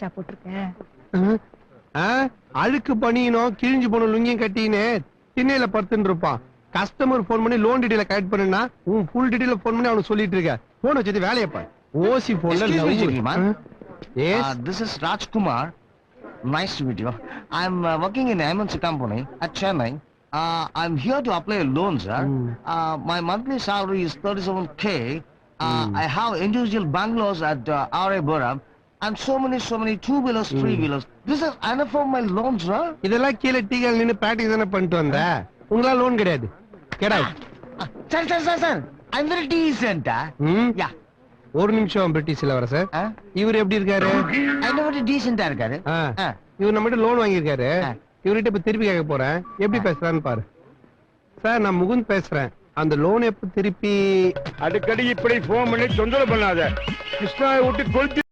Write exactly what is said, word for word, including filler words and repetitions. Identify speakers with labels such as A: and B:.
A: வேஷ்டா போட்டிருக்க?
B: அழுக்கு பணியணும் கிழிஞ்சு போன லுங்கியும் கட்டின்னு திண்ணையில படுத்துன்னு இருப்பான். கஸ்டமர் போன் பண்ணி லோன் டீடைல கலெக்ட் பண்ணுனா உன் ஃபுல் டீடைல போன் பண்ணி அவனுக்கு சொல்லிட்டு இருக்க. போன் வச்சது வேலையப்பா. ஓசி போன்ல
C: Yes, uh, this is Rajkumar. Nice to meet you. I'm uh, working in M N C company at Chennai. Uh, I'm here to apply a loan, sir. Mm. Uh, my monthly salary is thirty-seven K. Uh, mm. I have individual bungalows at uh, R A Buram and so many, so many two-wheelers, mm. three-wheelers. This is enough for my loan, sir.
B: இதெல்லாம் கீழே டீகள் நின்னு practice தானே பண்ணிட்டு வந்த. உங்களா loan கிடையாது. Get out.
C: Sir, sir, sir, sir. I'm very decent.
B: Hmm?
C: Yeah.
B: ஒரு நிமிஷம் பிரிட்டிஷ் இளவரசர். இவர் எப்படி இருக்காரு?
C: ஐநூறு டீசென்ட்டா இருக்காரு.
B: இவர் நம்மகிட்ட லோன் வாங்கியிருக்காரு. இவர்கிட்ட இப்ப திருப்பி கேட்க போறேன். எப்படி பேசுறான்னு பாரு. சார் நான் முகுந்த் பேசுறேன். அந்த லோன் எப்ப திருப்பி?
D: அடிக்கடி இப்படி போன் பண்ணி தொந்தரவு பண்ணாத. கிருஷ்ணாவை விட்டு கொளுத்தி